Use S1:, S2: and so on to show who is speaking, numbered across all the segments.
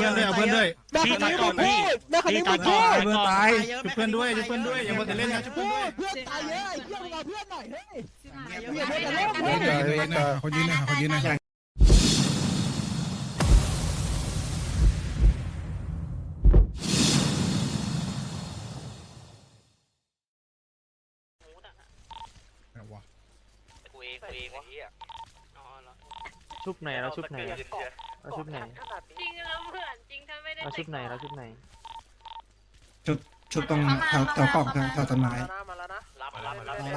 S1: พื่อนด้วยเอาเพื่อนด้วย
S2: พี่ตายก่อนพี่พี่ตายก่อน
S1: เพื่อนตายช่วยเพื่อนด้วยช่วยเพื่อนด้วยอย่ามัวแต่เล่นนะช่วยเพื่อนด้วย
S3: เพื่อนตายเยอะไอ้เพื่อนมาเพื่อนหน่อยเฮ้ย
S1: เขายืนนะเขายืนนะ
S4: ชุบไหนเราชุบไหนเราชุบไหน
S5: จริงแล้วเหมือนจริงถ้าไม่ได้
S4: เราชุบไหนเราชุบไหน
S6: ชุดตรงแถวกล่องแถวต้นไม้
S2: รับ
S6: รอ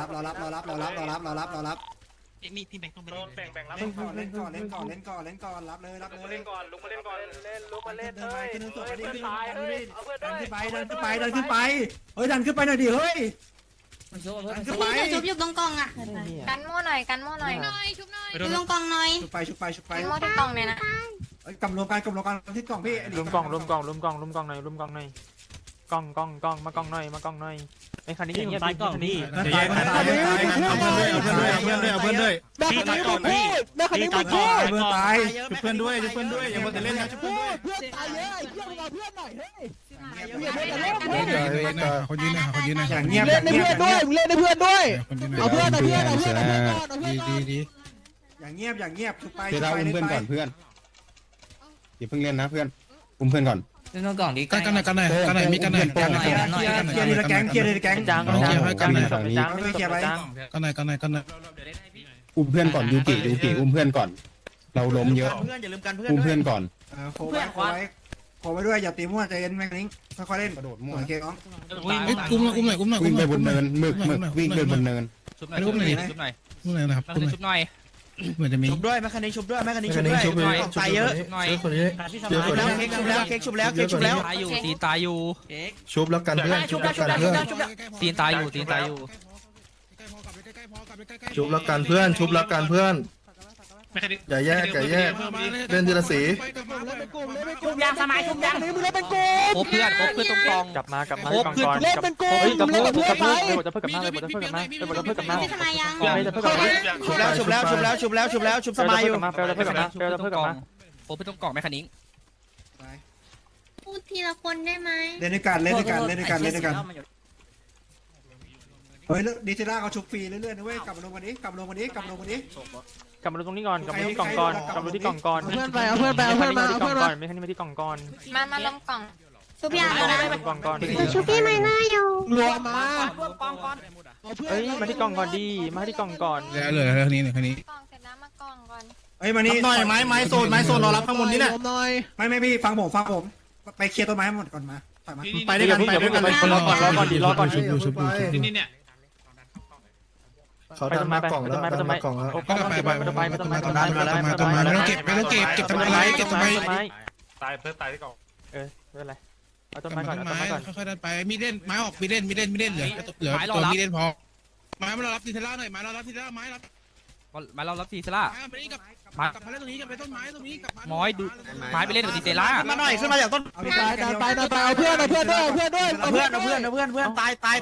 S6: รับ
S2: นี่พี่แบงค์ต้องไป
S6: เล่นก่อนเล่นก่อนรับเลยลุกมาเล่นก่อนเดินไปขึ้นตัวไปดิดันขึ้นไปเฮ้ยดันขึ้นไปหน่อยดิเฮ้ยดันขึ้นไป
S5: ชุบอยู่ตรงกล่องอ่ะกันโม่หน่อยกันโม่หน่อยชุบหน่อยอยู่ตรงกล่องหน่อย
S6: ชุบไป
S5: กันโม่ที่กล่องเลยนะ
S6: กำรวมกันที่กล่องพี่
S4: รวมกล่องหน่อยกล่องมากล่องหน่อยไอ้คันนี้อย่างเงี้ยคันนี้
S1: จะแยกกันเอาเพื่อนด้วยเอาเพื่อนด้วย
S2: พี่ตายก่อนพี่พี่ตายก่อน
S1: เพื่อนตายช่วยเพื่อนด้วยช่วยเพื่อนด้วยอย่ามัวแต่เล่นนะช่วยเพื่อนด้วย
S3: เพื่อนตายเยอะไอ้เพื่อนมาเพื่อนหน่อยเฮ้ย
S1: เขายืนนะเขายืนนะ
S6: อย่างเงียบ
S3: เล่นในเพื่อนด้วยเล่นในเพื่อนด้วยเอาเพื่อนก่อน
S6: อย่างเงียบชุบไป
S7: เพื่อนเพื่อนก่อนเพื่อนอย่าเพิ่งเล่นนะเพื่อนอุ้มเพื่อนก่อน
S8: เล่นกล่องดี
S1: กันไหนมีกันไหน
S6: เคลียร์ดีละแก๊ง
S4: จางจางจางจาง
S7: อุ้มเพื่อนก่อนยูกิอุ้มเพื่อนก่อน เราล้มเยอะ
S2: เพื่อนอย่าลืมกันเพื่อน
S7: อุ้มเพื่อนก่อน
S6: โคไว้ด้วยอย่าตีมั่วใจเย็นแม่งนิ้งค่อยๆเล่นกระโดดมั่วโอเคน้อง
S1: อุ้มหน่อย
S7: วิ่งไปบนเนินหมึกวิ่งไปบนเนิน
S2: ชุบหน่อย
S1: นะครับ
S2: ชุบหน่อย
S1: เหมือนจะมี
S2: ชุบด้วยแม่คันนี้ชุบด้วยตายเยอะหน่อย
S1: คนนี้
S2: เค้กชุบแล้วตายอยู่ตีตายอยู่
S1: ชุบแล้วกันเพื่อนชุบแล้วกันเพื่อน
S2: ตีตายอยู่
S1: ชุบแล้วกันเพื่อนชุบแล้วกันเพื่อนอย่าแยกเล่นทีละสี
S3: ชุบยางสมัยชุบยางนี่มึงเล่นเป็นกู
S2: ครบเพื่อนตรงกอง
S4: กลับมากล่องก่อน
S3: เล่นเป็นกู
S4: กับ
S3: เล่นกับเพื่อนไป
S4: จะเพิ่มกับมาจะเพิ่มกับมาจะเพิ่มกับมา
S5: พี่สมัยยัง
S4: จะเพิ่มกับมา
S2: ชุบแล้วชุบสมัยอยู่
S4: จะเพิ่มกับมาจะเพิ่มกับมา
S2: ครบตรงกองแม่คันนี้
S5: พูดทีละคนได้ไหม
S6: เล่นด้วยกันเฮ้ยดีเซล่าเขาชุบฟรีเรื่อยๆนะเว้ยกลับมาลงวันนี้
S4: กลับมาดูตรงนี้ก่อนกลับมาที่กล่องก่อนกลับมาที่กล่องก่อน
S3: เพื่อนไปเอาเพื่อนมาเอาเพื่อนมา
S4: ไม่คันนี้มาที่กล่องก่อน
S5: มาลงกล่องชุบยางนะ
S4: กล่องก่อน
S5: ชุบพี่ไม่น่าอยู่
S3: รวมมา
S4: เอ้ยมาที่กล่องก่อนดีมาที่กล่องก่อน
S1: เหลือแค่นี้
S5: กล่องเสร็จแล้วมากล่องก่อน
S6: เฮ้ยมานี่
S1: หน่อยไม้โซนรอรับข้างบนนี่แหละ
S3: หน่อย
S6: ไม่พี่ฟังผมไปเคลียร์ต้นไม้หมดก่อนมาถอยมา
S1: ไปด้วยกันไปด้วยกัน
S4: รอก่อน
S1: ชุบนี่เนี่ยเขาดันมากล่องแล้วดันมากล่องแล้วก็ไปไม่ต้องเก็บทำอะไรตายเพิ่มตายที่กล่อง
S4: ไม่เป็นไรเอาต้นไม้ก่อน
S1: ค่อยๆดันไปมีเล่นไม้ออกมีเล่นเหลือตัวมีเล่นพอไม้มารับทีเทล่าหน่อยไม้เรารับทีเทล่าไม้รับ
S2: มาเรารับตีสละ
S1: ไม้ไปนี่กับมาเล่นตรงนี้กับไปต้นไม้ตรงนี้กับ
S2: ม้อยดูไม้ไปเล่นกับตีเซล่ามาหน่อยขึ้นมาจากต้น
S3: เอาเพื่อนด้วยเอาเพื่อน
S2: ตาย
S4: ตาย
S3: ไป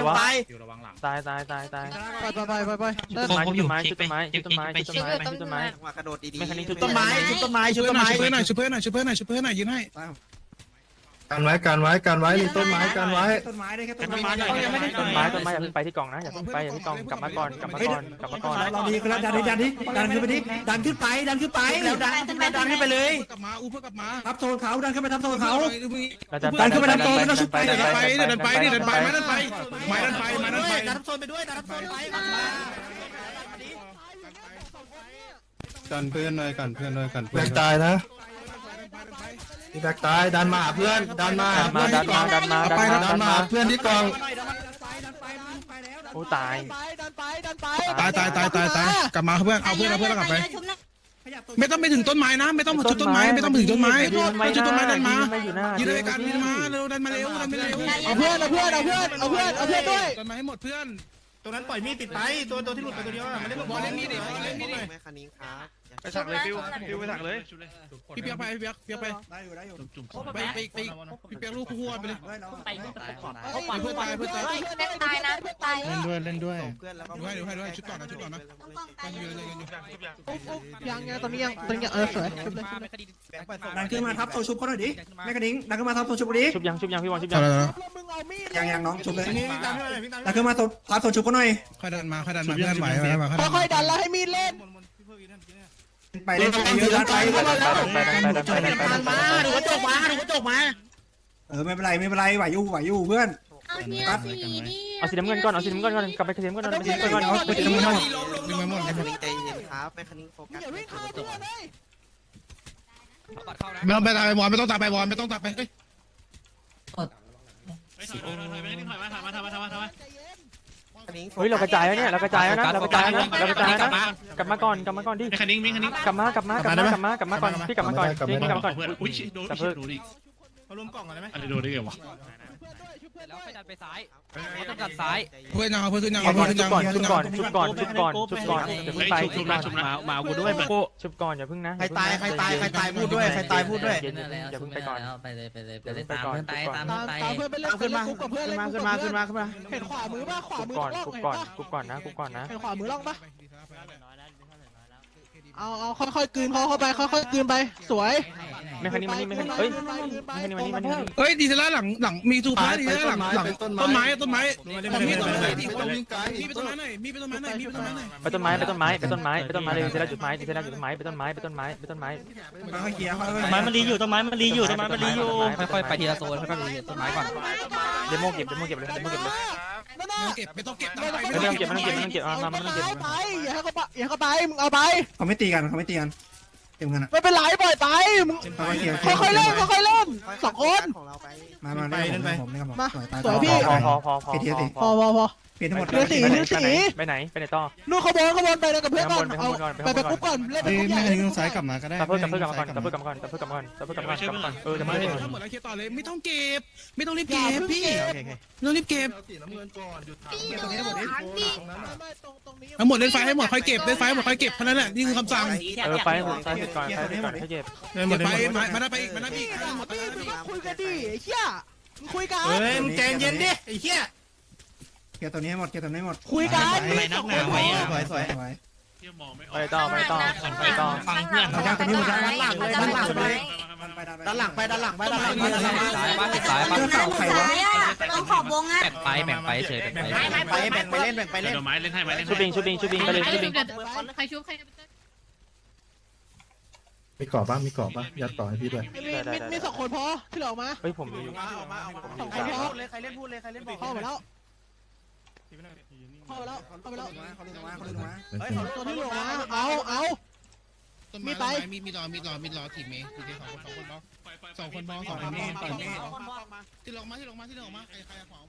S4: ต้นไม้ชุดต้นไม้
S2: กระโดดดี
S4: ไม่คันนี้ชุด
S2: ต้นไม้ชุบต้นไม้ชุบต้นไม้
S1: ช่วยเพื่อนหน่อยยืนให้กันไว้มีต้นไม้กันไว้
S6: ต้นไม้ได้แค่ต้นไม้
S4: ต้นไม้อย่าเพิ่งไปที่กล่องนะอย่าเพิ่งไปที่กล่องกลับมาก่อน
S6: เราดีกันแล้วดันขึ้นไปดิดันขึ้นไป
S2: แล้วดันขึ้นไปเลย
S1: กลับมาเพื่อกลับมา
S6: ทับโซนเขาดันขึ้นไปทับโซนเขา
S4: ดันขึ้นไป
S1: ดันไปไม้ดันไป
S6: ดันโซนไปด้วยดันโซนไป
S7: กันเพื่อนหน่อยกันเพื่อน
S1: ตายนะพี่แบกตายดันมาเพื่อนดันมาเพื่อนที่กอง
S4: โอ้ตาย
S1: กลับมาเพื่อนเอาเพื่อนกลับไปไม่ต้องไปถึงต้นไม้นะไม่ต้องจุดต้นไม้ไม่ต้องถึงต้นไม้จุดต้นไม้ดันมายืนด้วยกันยืนมาเร็วดันมาเร็ว
S3: เอาเพื่อนด้วย
S1: ต้นไม้ให้หมดเพื่อน
S6: ตรงนั้นปล่อยมีดติดไปตัวที่หลุดไปตัวเดียวไม่ได้
S1: บอลเล่นมีดดิบอลเล่นมีดดิ
S2: แม่คันนี้ครับ
S4: ไปถักเลยฟิวไปถักเลย
S1: พี่เปียกไปพี่เปียกไป
S6: ได้อยู่ได้อยู่
S1: ไปพี่เปียกลูกคู่ไปเลย
S5: ไป
S1: เพื่อนตายเพื่อนตาย
S5: เล่นตายนะตาย
S7: เล่นด้วยเล่นด้วย
S2: เพื่อนแล้วก็
S1: ดูให้ชุดก่อนนะชุดก่อนนะ
S5: ต้องกองตาย
S3: ยังตอนนี้ยังสวยชุบเลย
S6: ดันขึ้นมาทับโซชุบเขาหน่อยดิแม่กระดิ่งดันขึ้นมาทับโซชุบดิ
S4: ชุบยังพี่บอลชุบยัง
S3: มึงเอามีด
S6: ยังน้องชุบเลยดันขึ้นมาทับโซชุบเขาหน่อย
S1: ค่อยดันมาเพื่อนไหวมา
S3: ค่อยๆดันแล้วให้มีดเล่น
S6: ไปเล่นไปเยอะไป
S2: ดูกระจกมา
S6: ไม่เป็นไรไหวอยู่เพื่อน
S5: เอาเฮียสีนี่
S4: เอาสีน้ำเงินก่อนกลับไปสีน้ำเงินก่อนไปสีน้ำเงินก่อน
S1: ดึงไม่หมดดึงไม่หมด
S2: แม่คันนี้ใจเย็นครับแม่คันนี้โฟกัส
S3: อย่าวิ่งเข้าเพื่อนเลย
S1: ไม่ต้องไปตายไปบอลไม่ต้องตายไปบอลไม่ต้องตายไปเฮ้ย
S4: เฮ้ยเรากระจายแล้วเนี่ยเรากระจายแล้วนะกลับมาก่อนดิ
S8: คันนิ้งคันนิ้ง
S4: กลับมาก่อนพี่กลับมาก่อน
S8: อุ้ยโดนอีก
S6: เขารวมกล่องกันได้ไหม
S8: อะไรโดนได้ไงวะ
S2: แล้วไปดันไปซ้ายต้องดันซ้าย
S1: เพื่อนยังเพื่อนยัง
S4: ชุบ
S1: เพื่อนยัง
S4: ก่อนอย่าเพิ่งไป
S8: มากูด้วยมา
S4: ชุบก่อนอย่าเพิ่งนะ
S2: ใครตายพูดด้วย
S4: อย่าเพิ่งไปก่อน
S9: ไปเลยไปเล่นตามเพื่อนไปตาม
S3: ตามเพื่อนไปเล่นกุ๊กกับเพื่อนเล่นกุ๊กกับเพื่อนเห็นขวามือป่ะขวามือล่อง
S4: กุ๊บก่อนนะ
S3: เห็นขวามือล่องป่ะเอาค่อยๆกลืนเข้าไปค่อยๆกลืนไปสวย
S4: ไม่คันนี้มันนี่ไม่คันนี้เฮ้ยมันนี่
S1: เฮ้ยดีเซล่าหลังมีทูพาดีเซล่าหลังต้นไม้มีต้นไม้มีต้นไม้หน่อยมีต้นไม้หน่อยมีต้นไม้หน่อย
S4: ไปต้นไม้เลยเซล่าจุดไม้ไปต้นไม้
S6: ค่อยเคลียร์
S2: ไม้มันรีอยู่ต้นไม้มันรีอยู่ค่อยๆไปทีละโซนค่อยๆไปต้นไม้ก่อน
S4: เดโมเก็บเลย
S1: ไม่ต้องเก็บ
S4: ไม่ต้องเก็บมา
S3: ไปอย่าให้เขาไปมึงเอาไป
S6: เขาไม่ตีกันเต็มกันอ่ะ
S3: ไม่เป็นไรปล่อยไปมึงค่อยๆเล่น2 คน
S2: ของเราไป
S6: มาเล่นไปผมนี่ครับผม
S3: มา
S6: ตาย
S3: สวยพี่
S4: พอ
S6: เปลี่ยนทั้งหมด
S3: เรือสี
S4: ไปไหนต่อ
S3: นู่นขบวนไปเลยกับเพื่อนก่อนเอาไปกุ๊กก่อนเล่นไป
S7: เอ้ย
S3: กุ๊ก
S7: แม่
S3: ใหญ่
S7: คันนี้ต้องซ้ายกลับมาก็ได้
S4: ตะเพิ่กลับมาก่อนจะมา
S1: ทั้งหมดแล้วเคลียร์ต่อเลยไม่ต้องเก็บไม่ต้องรีบเก็บพี่ไม่ต้องรีบเก็บ
S6: ตรงนี้ทั้งหมดนี้
S1: ทั้งหมดเล่นไฟให้หมดค่อยเก็บเล่นไฟให้หมดค่อยเก็บเท่านั้นแหละนี่คือคำสั่ง
S4: ไปซ้ายสุดก่อนให้เก็บ
S1: เก็บไปมาได้ไปอีกหมด
S3: คุยกันดิไอ้เหี้ยมึงคุยกัน
S6: มึงใจเย็นดิไอ้เหี้ยเกียร์ตัวนี้หมด
S3: คุยกัน
S6: สวย
S4: ไปต่อ
S8: ฟังเพื่อน
S6: เราตัวนี้หมดด้านหลังเลยด้านหลังเลย
S2: ด้านหลังไป
S5: ซ้ายเต้องขอบวงอ่ะ
S2: แบ่งไปเฉยแบ่งไปเล่น
S8: ไม้เล่นให้ไม้เล่น
S4: ชุบบิงไปเลยชุบบิง
S5: ใครชุบใคร
S7: มีกรอบป่ะยัดต่อให้พี่ด้วย
S3: มี2 คนพอที่เหลือออกมา
S4: เฮ้ยผม
S2: ใครเล่นพูดเลยใครเล่นบอก
S3: เข้ามาแล้วตัวที่เหลือมาเอามีต่อทีมเมย์ทีสองคนบอลที่ลงมาใครขวาง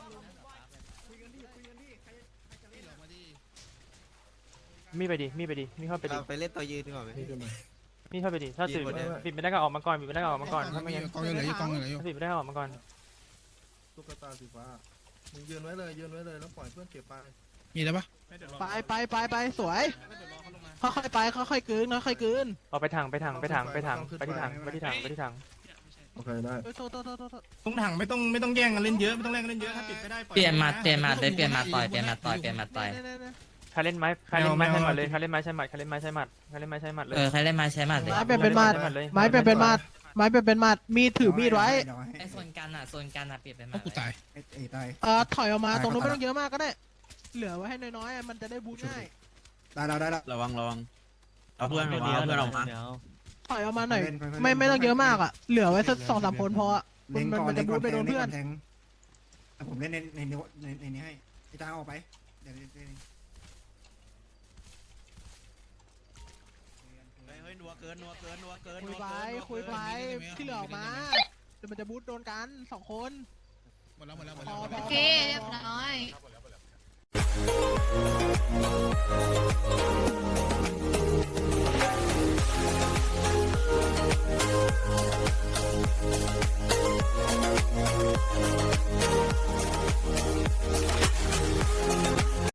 S4: มีไปดิมีเข้าไปดิ
S2: ไปเล่นตัวยืนดีกว่าไหม
S4: มีเข้าไปดิถ้าสิปิดไม่ได้ก็ออกมาก่อนถ้าไม่งั้น
S1: กองยังเหลืออยู่
S4: ปิดไม่ได้ออกมาก่อน
S7: ตุ๊กตาสีฟ้ามึงยืนไว้เลยแล้วปล่อยเพื่อนเก็บไป
S1: มีแล้วปะ
S3: ไปสวยค่อยๆไปค่อยๆกลืน
S4: เอาไปถังไปที่ถัง
S7: โอเคได้
S6: ตรงถังไม่ต้องแย่งกันเล่นเยอะไม่ต้องแย่งกันเล่นเยอะถ้าปิดไม่ได้
S9: เปลี่ยนมาต่อย
S4: ใครเล่นไม้ใช้หมัดเลยใครเล่นไม้ใช้หมัดเลย
S9: ใครเล่นไม้ใช้หมัดเลย
S3: ไม้เป็นมัดมีถือมีดไว้
S9: ไอ้โซนกันเปลี่ยนเป็นหมั
S1: ก็
S9: ด
S1: กูตาย
S6: ตาย
S3: ถอยออกมาตรงนู้นไม่ต้องเยอะมากก็ได้เหลือไว้ให้น้อยๆมันจะได้บูทง่าย
S6: ได้แล้ว
S2: ระวังเอาเพื่อนออกมา
S3: ถอยออกมาหน่อยไม่ต้องเยอะมากอ่ะเหลือไว้สัก2-3 คนพอมันจะบูทไปโดนเพื่อน
S6: ผมเล่นในนี้ให้พี่จ้าออกไปเดี๋ยว
S2: นัวเกิน
S3: คุยไปที่เหลือออกมาเดี๋ยวมันจะบูทโดนกัน2 คน
S1: หมดแล้ว
S5: โอเคเรียบร้อย